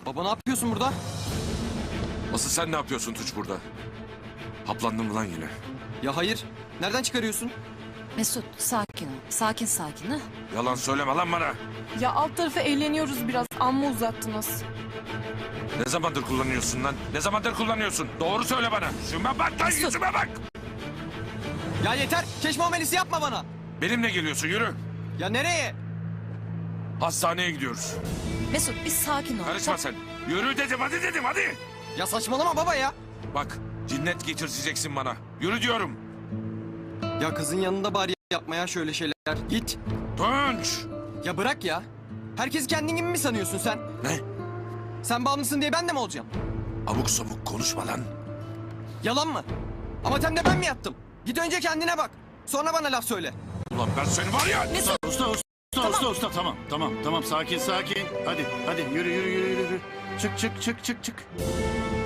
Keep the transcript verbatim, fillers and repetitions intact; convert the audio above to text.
Baba ne yapıyorsun burada? Asıl sen ne yapıyorsun Tuç burada? Haplandın mı lan yine? Ya hayır. Nereden çıkarıyorsun? Mesut sakin ol. Sakin sakin ha. Yalan söyleme lan bana. Ya alt tarafı eğleniyoruz biraz. Amma uzattınız. Ne zamandır kullanıyorsun lan? Ne zamandır kullanıyorsun? Doğru söyle bana. Yüzüme bak lan, yüzüme bak. Ya yeter. Keş muamelesi yapma bana. Benimle geliyorsun, yürü. Ya nereye? Hastaneye gidiyoruz. Mesut bir sakin ol. Karışma sen. Yürü dedim, hadi dedim, hadi. Ya saçmalama baba ya. Bak, cinnet getirteceksin bana. Yürü diyorum. Ya kızın yanında bari yapmaya şöyle şeyler. Git. Tunç. Ya bırak ya. Herkesi kendin gibi mi sanıyorsun sen? Ne? Sen bağımlısın diye ben de mi olacağım? Abuk sabuk konuşma lan. Yalan mı? Ama tem de ben mi yaptım? Git önce kendine bak. Sonra bana laf söyle. Ulan ben seni var ya. Mesut. Usta, usta, usta, usta, usta, tamam, tamam, tamam, sakin, sakin. Hadi, hadi, yürü, yürü, yürü, yürü. Çık, çık, çık, çık, çık.